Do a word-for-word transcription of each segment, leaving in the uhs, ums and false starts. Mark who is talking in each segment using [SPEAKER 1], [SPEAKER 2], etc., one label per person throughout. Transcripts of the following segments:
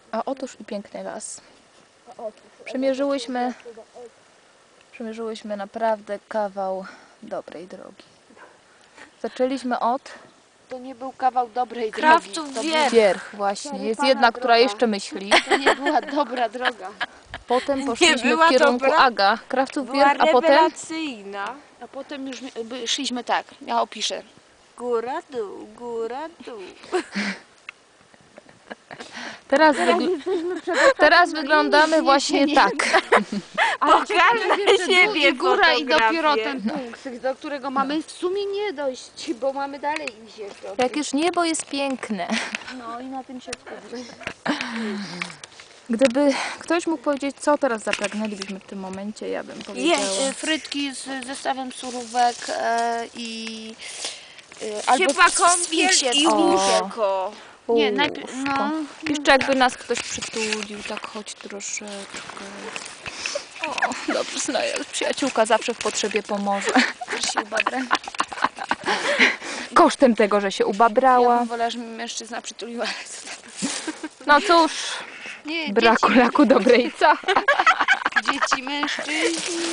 [SPEAKER 1] A otóż i piękny las. Przemierzyłyśmy, przemierzyłyśmy naprawdę kawał dobrej drogi. Zaczęliśmy od...
[SPEAKER 2] To nie był kawał dobrej
[SPEAKER 3] Krawców
[SPEAKER 2] drogi. To
[SPEAKER 3] wierch.
[SPEAKER 1] Wierch właśnie. Jest jedna, która
[SPEAKER 2] droga.
[SPEAKER 1] jeszcze myśli.
[SPEAKER 2] To nie była dobra droga.
[SPEAKER 1] Potem poszliśmy
[SPEAKER 3] była
[SPEAKER 1] w kierunku
[SPEAKER 3] dobra.
[SPEAKER 1] Aga, Krawców
[SPEAKER 3] Była
[SPEAKER 1] Wierch, a potem...
[SPEAKER 3] rewelacyjna.
[SPEAKER 2] A potem już mi- by- szliśmy tak, ja opiszę.
[SPEAKER 3] Góra, dół, góra, dół.
[SPEAKER 1] Teraz, wygl... Teraz wyglądamy właśnie tak.
[SPEAKER 3] Pokaż na siebie
[SPEAKER 2] I góra i dopiero
[SPEAKER 3] fotografię.
[SPEAKER 2] ten punkt, do którego mamy w sumie nie dojść, bo mamy dalej iść jeszcze.
[SPEAKER 1] Jakież niebo jest piękne.
[SPEAKER 2] No i na tym się skupmy.
[SPEAKER 1] Gdyby ktoś mógł powiedzieć, co teraz zapragnęlibyśmy w tym momencie, ja bym powiedziała.
[SPEAKER 2] Jeść frytki z zestawem surówek e, i e, albo
[SPEAKER 3] Ciepła kąpiel
[SPEAKER 2] świecie-
[SPEAKER 3] i
[SPEAKER 2] o.
[SPEAKER 3] łóżko.
[SPEAKER 2] Nie,
[SPEAKER 1] Uff,
[SPEAKER 2] najpierw, no,
[SPEAKER 1] Jeszcze jakby nas ktoś przytulił, tak choć troszeczkę. O, dobrze, znaję. Przyjaciółka zawsze w potrzebie pomoże.
[SPEAKER 2] też się ubabrę.
[SPEAKER 1] Kosztem tego, że się
[SPEAKER 2] Ja
[SPEAKER 1] ubabrała.
[SPEAKER 2] bym wolała, żeby mi mężczyzna przytulił, ale co tam.
[SPEAKER 1] No cóż,
[SPEAKER 2] Nie,
[SPEAKER 1] braku
[SPEAKER 2] dzieci,
[SPEAKER 1] laku dobrej co?
[SPEAKER 2] dzieci, mężczyźni.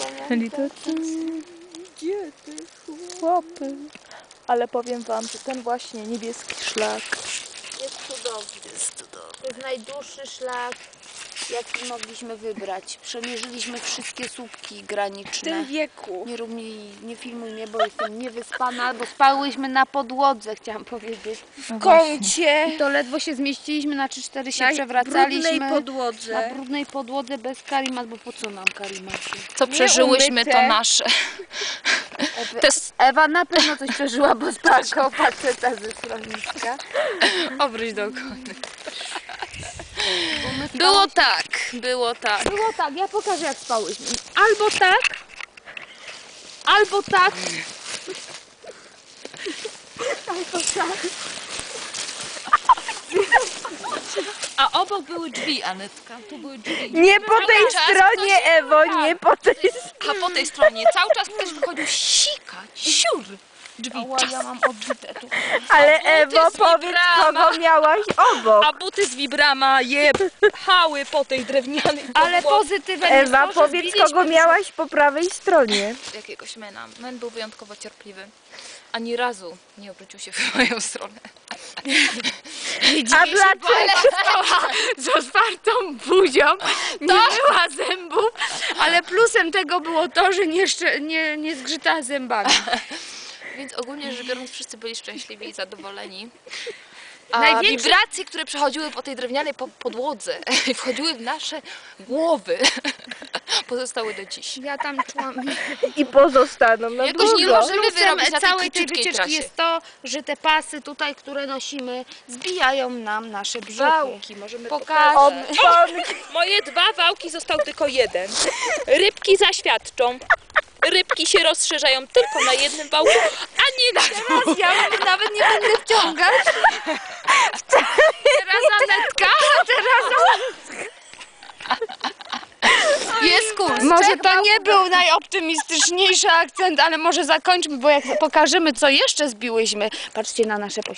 [SPEAKER 1] Chłopy. Ale powiem wam, że ten właśnie niebieski szlak
[SPEAKER 2] Jest cudowny. To jest najdłuższy szlak, jaki mogliśmy wybrać. Przemierzyliśmy wszystkie słupki
[SPEAKER 3] W
[SPEAKER 2] graniczne.
[SPEAKER 3] tym wieku.
[SPEAKER 2] Nie rób mi, nie filmuj mnie, bo jestem niewyspana, bo spałyśmy na podłodze, chciałam powiedzieć.
[SPEAKER 1] no
[SPEAKER 3] W
[SPEAKER 1] właśnie.
[SPEAKER 3] kącie.
[SPEAKER 2] To ledwo się zmieściliśmy, na trzy cztery się
[SPEAKER 3] Na
[SPEAKER 2] przewracaliśmy.
[SPEAKER 3] brudnej
[SPEAKER 2] Na
[SPEAKER 3] podłodze.
[SPEAKER 2] brudnej podłodze bez karimat, bo po co nam karimaty?
[SPEAKER 1] Co przeżyłyśmy, to
[SPEAKER 3] Nieumyte.
[SPEAKER 1] nasze.
[SPEAKER 2] Ewy,
[SPEAKER 1] To jest...
[SPEAKER 2] Ewa na pewno coś przeżyła, bo spała koło faceta ze schroniska.
[SPEAKER 1] Obróć do okony. Było tak, było tak.
[SPEAKER 2] Było tak, ja pokażę jak spałyśmy. Albo tak, albo tak. Albo tak.
[SPEAKER 1] A obok były drzwi, Anetka. Tu były drzwi.
[SPEAKER 3] Nie po tej
[SPEAKER 1] czas
[SPEAKER 3] stronie,
[SPEAKER 1] ktoś-
[SPEAKER 3] Ewo, nie po tej stronie.
[SPEAKER 1] A po tej stronie cały czas ktoś wychodził sikać, siur. Drzwi
[SPEAKER 2] Ała,
[SPEAKER 1] czas.
[SPEAKER 2] ja mam odbite tu.
[SPEAKER 3] Ale
[SPEAKER 1] buty
[SPEAKER 3] Ewo,
[SPEAKER 1] z
[SPEAKER 3] powiedz,
[SPEAKER 1] Wibrama.
[SPEAKER 3] kogo miałaś obok.
[SPEAKER 1] A buty z Wibrama jechały po tej drewnianej
[SPEAKER 2] Ale
[SPEAKER 1] podłodze.
[SPEAKER 2] pozytywem
[SPEAKER 3] Ewa,
[SPEAKER 2] jest to, że
[SPEAKER 3] powiedz,
[SPEAKER 2] zbiliśmy
[SPEAKER 3] kogo miałaś po prawej stronie.
[SPEAKER 1] Jakiegoś mena. Men był wyjątkowo cierpliwy. Ani razu nie obrócił się w moją stronę.
[SPEAKER 3] A dlaczego?
[SPEAKER 2] z otwartą buzią, nie była zębów, ale plusem tego było to, że nie, szcze- nie, nie zgrzytała zębami.
[SPEAKER 1] Więc ogólnie rzecz biorąc wszyscy byli szczęśliwi i zadowoleni. A
[SPEAKER 2] Największy-
[SPEAKER 1] wibracje, które przechodziły po tej drewnianej po podłodze i wchodziły w nasze głowy, pozostały do dziś.
[SPEAKER 2] Ja tam czułam.
[SPEAKER 3] I pozostaną na
[SPEAKER 1] Jakoś nie
[SPEAKER 3] długo.
[SPEAKER 1] możemy wyrobić na tej
[SPEAKER 2] całej tej
[SPEAKER 1] króciutkiej
[SPEAKER 2] wycieczki
[SPEAKER 1] trasie.
[SPEAKER 2] jest to, że te pasy tutaj, które nosimy, zbijają nam nasze brzuchy.
[SPEAKER 1] Wałki, możemy
[SPEAKER 2] Pokażę.
[SPEAKER 1] pokazać.
[SPEAKER 3] Oponki.
[SPEAKER 4] Moje dwa wałki, został tylko jeden. Rybki zaświadczą. Rybki się rozszerzają tylko na jednym wałku, a nie na dwóch.
[SPEAKER 2] Ja nawet nie będę wciągać. Teraz Anetka, a teraz
[SPEAKER 1] Jest kurs.
[SPEAKER 2] Może to nie był najoptymistyczniejszy akcent, ale może zakończmy, bo jak pokażemy, co jeszcze zbiłyśmy. Patrzcie na nasze